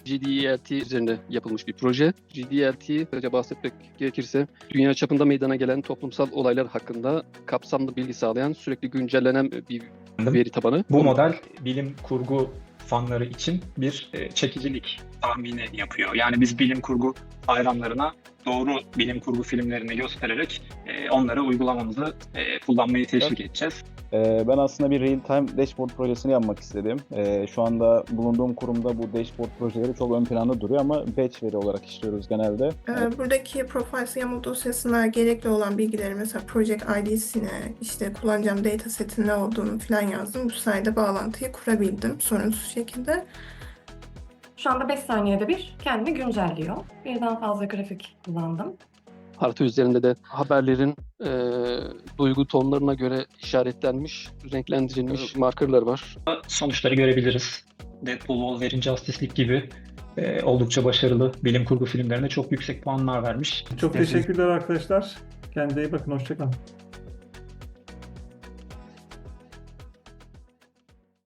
GDERT üzerinde yapılmış bir proje. GDERT, kısaca bahsetmek gerekirse, dünya çapında meydana gelen toplumsal olaylar hakkında kapsamlı bilgi sağlayan, sürekli güncellenen bir veri tabanı. Bu model bilim kurgu fanları için bir çekicilik tahmini yapıyor. Yani biz bilim kurgu hayranlarına doğru bilim kurgu filmlerini göstererek onlara uygulamamızı kullanmayı teşvik edeceğiz. Ben aslında bir real-time dashboard projesini yapmak istedim. Şu anda bulunduğum kurumda bu dashboard projeleri çok ön planda duruyor ama batch veri olarak işliyoruz genelde. Buradaki Profiles YAML dosyasına gerekli olan bilgileri, mesela Project ID'sine, işte kullanacağım dataset'in ne olduğunu falan yazdım. Bu sayede bağlantıyı kurabildim sorunsuz şekilde. Şu anda 5 saniyede bir kendini güncelliyor. Birden fazla grafik kullandım. Harita üzerinde de haberlerin duygu tonlarına göre işaretlenmiş, renklendirilmiş markerlar var. Sonuçları görebiliriz. Deadpool, Wolverine, Justice League gibi oldukça başarılı bilim kurgu filmlerine çok yüksek puanlar vermiş. Çok teşekkürler arkadaşlar. Kendinize iyi bakın. Hoşça kalın.